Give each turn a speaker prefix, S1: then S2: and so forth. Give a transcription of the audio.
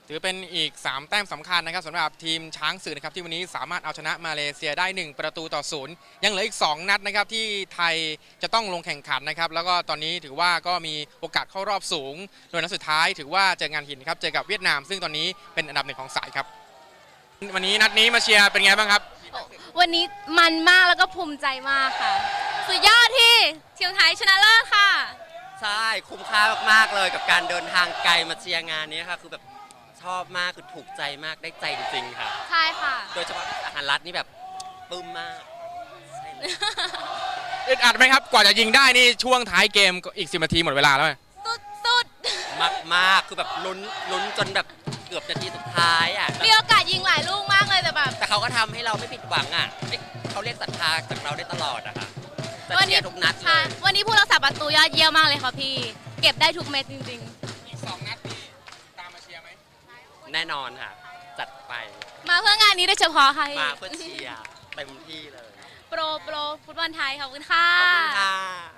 S1: ถือเป็นอีก3แต้มสำคัญนะครับสำหรับทีมช้างศึกนะครับที่วันนี้สามารถเอาชนะมาเลเซียได้1-0ยังเหลืออีก2นัดนะครับที่ไทยจะต้องลงแข่งขันนะครับแล้วก็ตอนนี้ถือว่าก็มีโอกาสเข้ารอบสูงโดยนัดสุดท้ายถือว่าเจองานหินครับเจอกับเวียดนามซึ่งตอนนี้เป็นอันดับ1ของสายครับวันนี้นัดนี้มาเชียร์เป็นไงบ้างครับ
S2: วันนี้มันมากแล้วก็ภูมิใจมากค่ะสุดยอดที่ทีมไทยชนะเลิศค่ะ
S3: ใช่คุ้มค่ามากๆเลยกับการเดินทางไกลมาเชียร์งานนี้ค่ะคือแบบชอบมากคือถูกใจมากได้ใจจริงๆค่ะ
S2: ใช่ค่ะ
S3: โดยเฉพาะอาหารรัฐนี่แบบปลื้มมากใช่เลย
S1: อึดอัดไหมครับกว่าจะยิงได้นี่ช่วงท้ายเกมอีก10 นาทีหมดเวลาแล้ว
S2: สุด
S3: มากคือแบบลุ้นจนแบบเกือบนาทีสุดท้ายอ่ะ
S2: มีโอกาสยิงหลายลูกมากเลยแต่แบบ
S3: แต่เขาก็ทำให้เราไม่ผิดหวังอ่ะเขาเรียกศรัทธาจากเราได้ตลอดอะค่ะ
S2: วันนี้
S3: ทุกนัดเลย
S2: วันนี้ผู้รักษาประตูยอดเยี่ยมมากเลยค่ะพี่เก็บได้ทุกเม็ดจริง
S1: ๆอีก2นัดนี่ตามมาเชียร์ไหม
S3: แน่นอนค่ะจัดไป
S2: มาเพื่องานนี้โดยเฉพาะค่ะ
S3: มาเพื่อเชียร์เต็มที่เลย
S2: โปรฟุตบอลไทยขอบคุณค่ะ
S3: ขอบคุณค่ะ